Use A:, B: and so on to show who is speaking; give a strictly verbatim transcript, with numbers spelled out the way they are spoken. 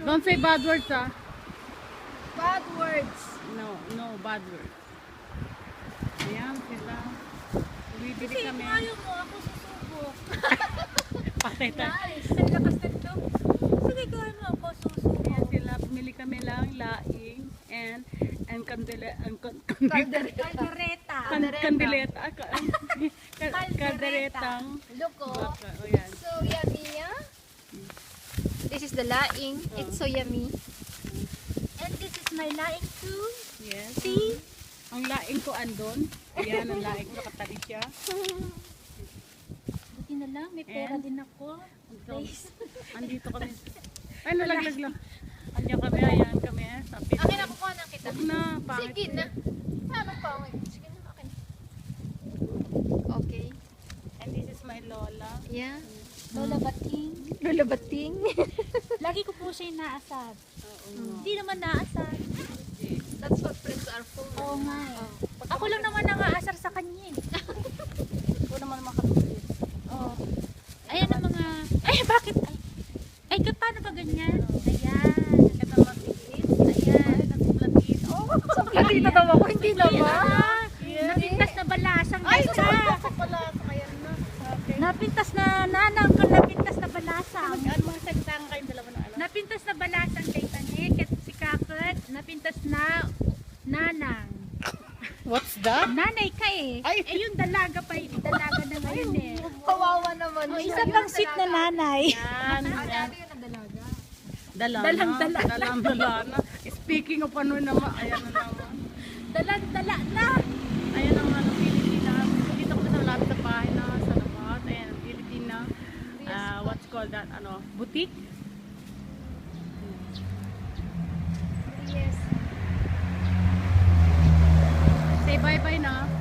A: Don't say bad words, ah.
B: Bad words.
A: No, no bad words. Ayan sila. Bibili
C: Kasi
A: kami.
C: kung ayaw mo, ako susubok.
A: Patay tayo.
C: Nice. Ang lakas nito. Sige, gawin mo ako susubok.
A: Ayan sila. Bumili kami lang laing and and kandila and kan-
B: Caldereta.
C: Caldereta.
A: kan- kandileta. ah, ka- ka- Kalderetang.
B: Look, oh.
A: baka. O yan.
B: So yummy, yeah? This is the laing. It's so yummy.
C: And this is my laing too.
A: Yes.
C: See?
A: Ang laing ko andon. Ayan, ang laing ko nakatali siya.
C: Buti na lang, may pera
A: And?
C: din ako.
A: So, andito kami. Ay, nalaglag lang. Andiyan kami, ayan kami. eh, Sa pit.
B: Akin na, kukuha na kita.
A: Huwag na, pangit.
B: Sige na. Ano pa? Sige na, akin. Okay.
A: And this is my lola.
B: Yeah.
C: Lola Bating.
B: Lola Bating.
C: Lagi ko po siya inaasad.
A: Oo.
C: Hindi naman naasad.
B: That's what friends are for.
C: Oo nga eh. Ako lang naman nangaasar sa kanya eh.
A: Ito naman makatulit.
C: Oo. Ayan ang mga... Ay, bakit? Ay, ay paano ba ganyan? Ayan.
A: Ito matiis.
C: Ayan.
A: Ito platis. Oh,
B: Platita daw ako, hindi naman.
C: Ah, napintas na balasang
B: Ay,
C: guys,
B: sa
C: ah.
B: pala. Ayan na.
A: okay.
C: Napintas na nanang ka napintas na balasang.
A: Ano mga salita nga kayong dalawa ng ano?
C: Napintas na balasang kay Tanik at si Kakot. Napintas na nanang.
A: What's that?
C: Nanay ka eh.
A: Ay.
C: Eh yung dalaga pa eh. Dalaga na ngayon eh.
B: Kawawa naman.
C: O, isa pang sweet na nanay.
A: Yan.
B: Ah,
A: yan.
B: dati yun ang dalaga.
A: Dalana.
C: Dalang dala.
A: Dalang dalana. Speaking of ano naman, ayan na naman.
C: Dalang dala na.
A: Ayan ang ano, Pilipinas. Dito kami sa malapit na bahay na sa labas. Ayan, ang Pilipina. Uh, what's called that? Ano? Boutique?
B: Yes.
A: Say bye-bye na.